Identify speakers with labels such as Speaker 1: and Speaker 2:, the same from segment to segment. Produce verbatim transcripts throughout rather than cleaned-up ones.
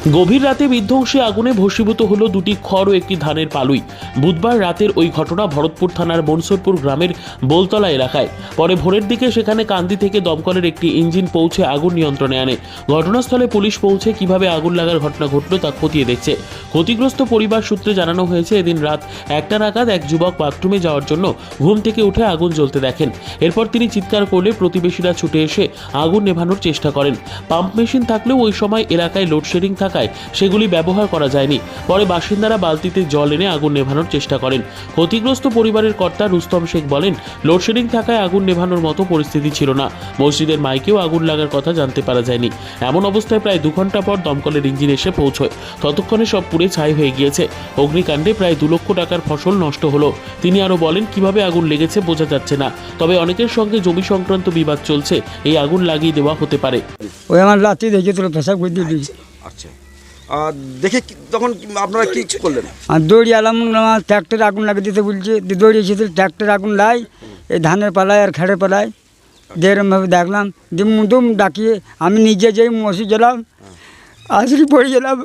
Speaker 1: গভীর রাতে বিধ্বংসী আগুনে ভস্মীভূত হলো দুটি খড় ও একটি ধানের পালুই। বুধবার রাতের ওই ঘটনা ভরতপুর থানার মনসুরপুর গ্রামের বোলতলা এলাকায়। পরে ভোরের দিকে সেখানে কান্দি থেকে দমকলের একটি ইঞ্জিন পৌঁছে আগুন নিয়ন্ত্রণে আনে। ঘটনাস্থলে পুলিশ পৌঁছে কিভাবে আগুন লাগার ঘটনা ঘটল তা খতিয়ে দেখছে। ক্ষতিগ্রস্ত পরিবার সূত্রে জানানো হয়েছে, এদিন রাত একটা নাগাদ এক যুবক বাথরুমে যাওয়ার জন্য ঘুম থেকে উঠে আগুন জ্বলতে দেখেন। এরপর তিনি চিৎকার করলে প্রতিবেশীরা ছুটে এসে আগুন নেভানোর চেষ্টা করেন। পাম্প মেশিন থাকলেও ওই সময় এলাকায় লোডশেডিং থাকায় সেগুলি ব্যবহার করা যায়নি। পরে বাসিন্দারা বালতিতে জল এনে আগুন নেভানোর চেষ্টা করেন। ক্ষতিগ্রস্ত পরিবারের কর্তা রুস্তম শেখ বলেন, লোডশেডিং থাকায় আগুন নেভানোর মতো পরিস্থিতি ছিল না। মসজিদের মাইকেও আগুন লাগার কথা জানতে পারা যায়নি। এমন অবস্থায় প্রায় দু ঘন্টা পর দমকলের ইঞ্জিন এসে পৌঁছয়। ততক্ষণে সব পুড়ে ছাই হয়ে গিয়েছে। অগ্নিকাণ্ডে প্রায় দু লক্ষ টাকার ফসল নষ্ট হলো। তিনি আরো বলেন, কিভাবে আগুন লেগেছে বোঝা যাচ্ছে না, তবে অনেকের সঙ্গে জমি সংক্রান্ত বিবাদ চলছে। এই আগুন লাগিয়ে দেওয়া হতে পারে।
Speaker 2: ওই আমার রাতে দেখেছিল পেশাব করে দিয়ে দিয়েছি।
Speaker 3: আচ্ছা, আর দেখে কি- তখন কি- আপনারা কি করলেন?
Speaker 2: আর দৌড়ি আলাম, আমার ট্র্যাক্টর আগুন লাগিয়ে দিতে বলছে, দৌড়ি এসেছিল ট্র্যাক্টর আগুন লাই এই ধানের পালায় আর খেড়ে পালায় যেরমভাবে দেখলাম, দিম দুম ডাকিয়ে আমি নিজে যেই মসজিদ গেলাম, আজরি পড়ে গেলাম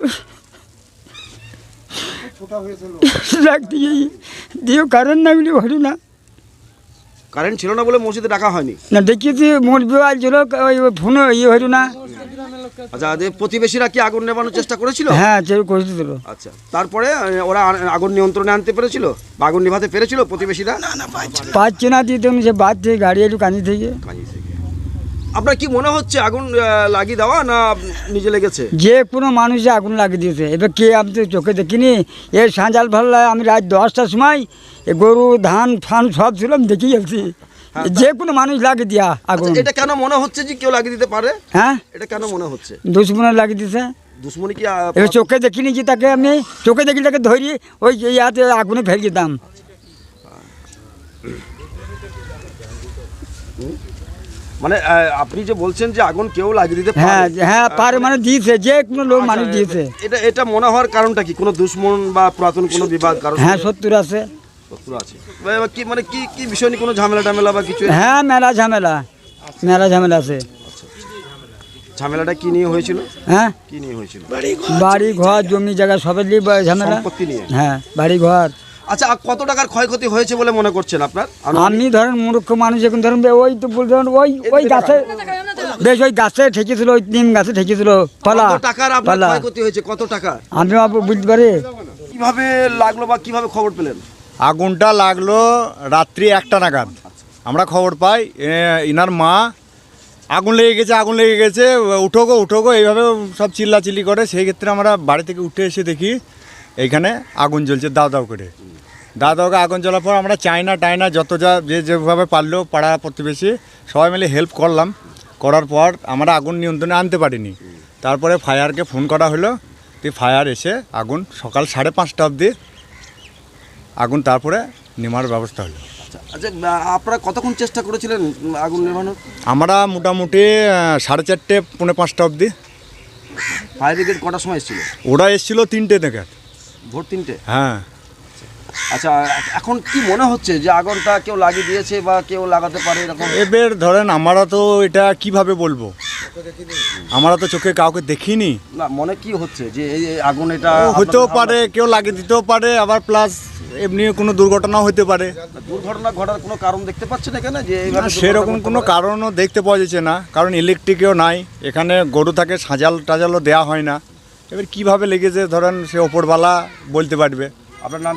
Speaker 2: রাখতে গিয়ে দিয়েও কারণ না বলে হলো না।
Speaker 3: কারেন্ট ছিল না বলে মসজিদে ডাকা হয়নি?
Speaker 2: না দেখিয়েছি মোট বিবাহ ছিল, ওই ফোনে ইয়ে হইল না।
Speaker 3: আচ্ছা, যে প্রতিবেশীরা কি আগুন নেভানোর চেষ্টা করেছিল?
Speaker 2: হ্যাঁ সে করেছিল।
Speaker 3: আচ্ছা, তারপরে আহ, ওরা আ- আগুন নিয়ন্ত্রণে আনতে পেরেছিল বা আগুন নিভাতে পেরেছিল প্রতিবেশীরা?
Speaker 2: পাচ্ছে না দিতে সে বাদ থেকে গাড়ি এলু কানি থেকে।
Speaker 3: আপনার কি মনে হচ্ছে আগুন আহ, লাগিয়ে দেওয়া না নিজে লেগেছে?
Speaker 2: যে কোনো মানুষে আগুন লাগিয়ে দিয়েছে। এবার কে আমি তো চোখে দেখিনি। এর সাঁজাল ভাল্লা আমি রাত দশটার সময় এ গরু ধান ফান সব ছিল, আমি দেখে যাচ্ছি। যে কোনো মানুষ লাগিয়ে দিয়া আগুন।
Speaker 3: আচ্ছা, এটা কেন মনে হচ্ছে যে কেউ লাগিয়ে দিতে পারে?
Speaker 2: হ্যাঁ
Speaker 3: এটা কেন মনে হচ্ছে?
Speaker 2: দুশ্মনে লাগিয়ে দিয়েছে।
Speaker 3: দুশ্মনী কি আহ,
Speaker 2: এবার চোখে দেখিনি যে তাকে, আমি চোখে দেখি তাকে ধরি ওই ইয়াতে আগুনে ফেলে দিতাম।
Speaker 3: মানে আহ, আপনি যে বলছেন যে আগুন কেউ লাগিয়ে দিতে
Speaker 2: হ্যাঁ
Speaker 3: পারে,
Speaker 2: হ্যাঁ পারে মানে দিয়েছে, যে কোনো লোক মানুষ দিয়েছে।
Speaker 3: এটা এটা মনে হওয়ার কারণটা কি? কোনো দুশ্মন বা পুরাতন কোনো বিবাদ কারণ?
Speaker 2: হ্যাঁ সত্তর আছে।
Speaker 3: শত্রু আছে বা কি, মানে কি কি বিষয় নিয়ে কোনো ঝামেলা টামেলা বা কিছু?
Speaker 2: হ্যাঁ মেলা ঝামেলা, মেলা ঝামেলা আছে।
Speaker 3: ঝামেলাটা কি নিয়ে হয়েছিল?
Speaker 2: হ্যাঁ
Speaker 3: কি নিয়ে হয়েছিল?
Speaker 2: বাড়ি ঘর জমি জায়গা সবের নিয়ে বা- ঝামেলা।
Speaker 3: সম্পত্তি নিয়ে?
Speaker 2: হ্যাঁ বাড়ি ঘর।
Speaker 3: আচ্ছা, আর কত টাকার ক্ষয়ক্ষতি হয়েছে বলে মনে করছেন আপনার?
Speaker 2: আমি ধরেন মূর্খ মানুষ, এখন ধরেন ওই তো বলছেন ওই ওই গাছে বেশ ওই গাছে ঠেকেছিল, ওই নিম গাছে ঠেকেছিল পালা
Speaker 3: কত টাকার আপনার
Speaker 2: পালা।
Speaker 3: ক্ষয়ক্ষতি হয়েছে? কত টাকা?
Speaker 2: আমি আবার বুঝতে পারি।
Speaker 3: কিভাবে লাগলো বা কিভাবে খবর পেলেন?
Speaker 4: আগুনটা লাগলো রাত্রি একটা নাগাদ আমরা খবর পাই। এ, ইনার মা আগুন লেগে গেছে, আগুন লেগে গেছে, উঠো গো উঠো গো এইভাবে সব চিল্লাচিল্লি করে। সেই ক্ষেত্রে আমরা বাড়ি থেকে উঠে এসে দেখি এইখানে আগুন জ্বলছে দাও দাও করে। দাও দাও করে আগুন জ্বলার পর আমরা চাইনা টাইনা যত যা যে যেভাবে পারলো পাড়া প্রতিবেশী সবাই মিলে হেল্প করলাম। করার পর আমরা আগুন নিয়ন্ত্রণে আনতে পারিনি। তারপরে ফায়ারকে ফোন করা হলো, তো ফায়ার এসে আগুন সকাল সাড়ে পাঁচটা অবধি আগুন তারপরে নেমার ব্যবস্থা হলো।
Speaker 3: আচ্ছা, আচ্ছা, আপনারা কতক্ষণ চেষ্টা করেছিলেন আগুন নেভানোর?
Speaker 4: আমরা মোটামুটি আহ, সাড়ে চারটে পৌনে পাঁচটা অবধি।
Speaker 3: ফায়ার ব্রিগেড কটার সময় এসেছিল?
Speaker 4: ওরা এসেছিল তিনটে থেকে।
Speaker 3: ভোর তিনটে?
Speaker 4: হ্যাঁ।
Speaker 3: আচ্ছা, এখন কি মনে হচ্ছে যে আগুনটা কেউ লাগিয়ে দিয়েছে বা কেউ লাগাতে পারে এরকম?
Speaker 4: এবার ধরেন আমরা তো এটা কিভাবে বলবো, আমরা তো চোখে কাউকে দেখিনি।
Speaker 3: না, মনে কি হচ্ছে যে এই এই আগুন এটা
Speaker 4: ও হতেও
Speaker 3: আপনাদের
Speaker 4: পারে, কেউ লাগিয়ে দিতেও পারে, আবার প্লাস এমনি কোনো দুর্ঘটনাও হতে পারে।
Speaker 3: ধারণা- দুর্ঘটনা ঘটার কোনো কারণ দেখতে পাচ্ছেন এখানে যে
Speaker 4: না,
Speaker 3: এইভাবে
Speaker 4: সেরকম কোনো কারণও দেখতে পাওয়া যাচ্ছে না, কারণ ইলেকট্রিকও নাই এখানে, গরু থাকে, সাজাল টাজালও দেওয়া হয় না। এবার কিভাবে লেগেছে ধরেন সে ওপরওয়ালা বলতে পারবে।
Speaker 3: আপনার নাম?